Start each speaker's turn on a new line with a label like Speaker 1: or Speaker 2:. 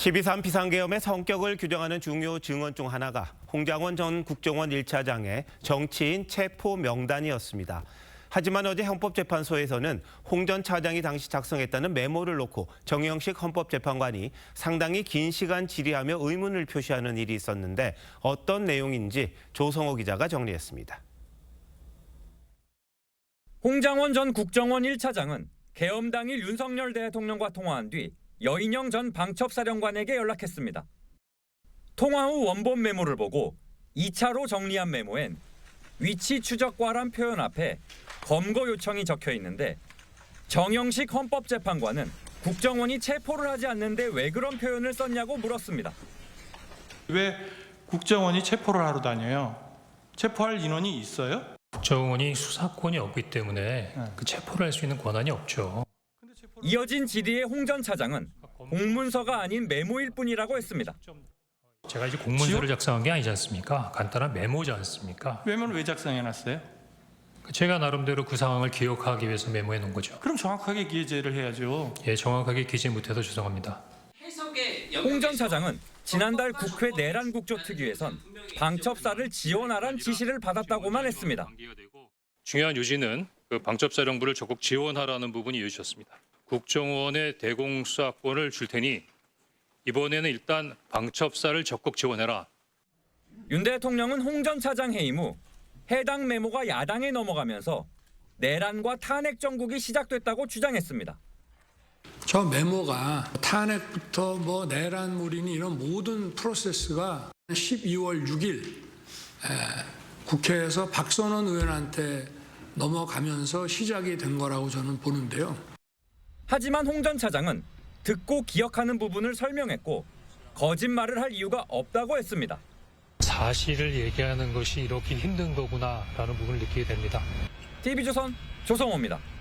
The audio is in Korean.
Speaker 1: 12.3 비상계엄의 성격을 규정하는 중요 증언 중 하나가 홍장원 전 국정원 1차장의 정치인 체포 명단이었습니다. 하지만 어제 헌법재판소에서는 홍 전 차장이 당시 작성했다는 메모를 놓고 정영식 헌법재판관이 상당히 긴 시간 질의하며 의문을 표시하는 일이 있었는데 어떤 내용인지 조성호 기자가 정리했습니다.
Speaker 2: 홍장원 전 국정원 1차장은 계엄 당일 윤석열 대통령과 통화한 뒤 여인영 전 방첩사령관에게 연락했습니다. 통화 후 원본 메모를 보고 2차로 정리한 메모엔 위치 추적과란 표현 앞에 검거 요청이 적혀 있는데 정영식 헌법재판관은 국정원이 체포를 하지 않는데 왜 그런 표현을 썼냐고 물었습니다.
Speaker 3: 왜 국정원이 체포를 하러 다녀요? 체포할 인원이 있어요?
Speaker 4: 국정원이 수사권이 없기 때문에 그 체포를 할 수 있는 권한이 없죠.
Speaker 2: 이어진 질의에 홍 전 차장은 공문서가 아닌 메모일 뿐이라고 했습니다.
Speaker 4: 제가 이제 공문서를 작성한 게 아니지 않습니까? 간단한 메모지 않습니까?
Speaker 3: 메모를 왜 작성해놨어요?
Speaker 4: 제가 나름대로 그 상황을 기억하기 위해서 메모해 놓은 거죠.
Speaker 3: 그럼 정확하게 기재를 해야죠.
Speaker 4: 예, 정확하게 기재 못해서 죄송합니다.
Speaker 2: 홍 전 차장은 지난달 국회 내란 국조특위에선 방첩사를 지원하란 지시를 받았다고만 했습니다.
Speaker 4: 중요한 요지는 그 방첩사령부를 적극 지원하라는 부분이 요지였습니다. 국정원의 대공수사권을 줄 테니 이번에는 일단 방첩사를 적극 지원해라.
Speaker 2: 윤 대통령은 홍 전 차장 해임 후 해당 메모가 야당에 넘어가면서 내란과 탄핵 정국이 시작됐다고 주장했습니다.
Speaker 5: 저 메모가 탄핵부터 내란물이니 이런 모든 프로세스가 12월 6일 국회에서 박선원 의원한테 넘어가면서 시작이 된 거라고 저는 보는데요.
Speaker 2: 하지만 홍 전 차장은 듣고 기억하는 부분을 설명했고 거짓말을 할 이유가 없다고 했습니다.
Speaker 4: 사실을 얘기하는 것이 이렇게 힘든 거구나라는 부분을 느끼게 됩니다.
Speaker 2: TV조선 조성호입니다.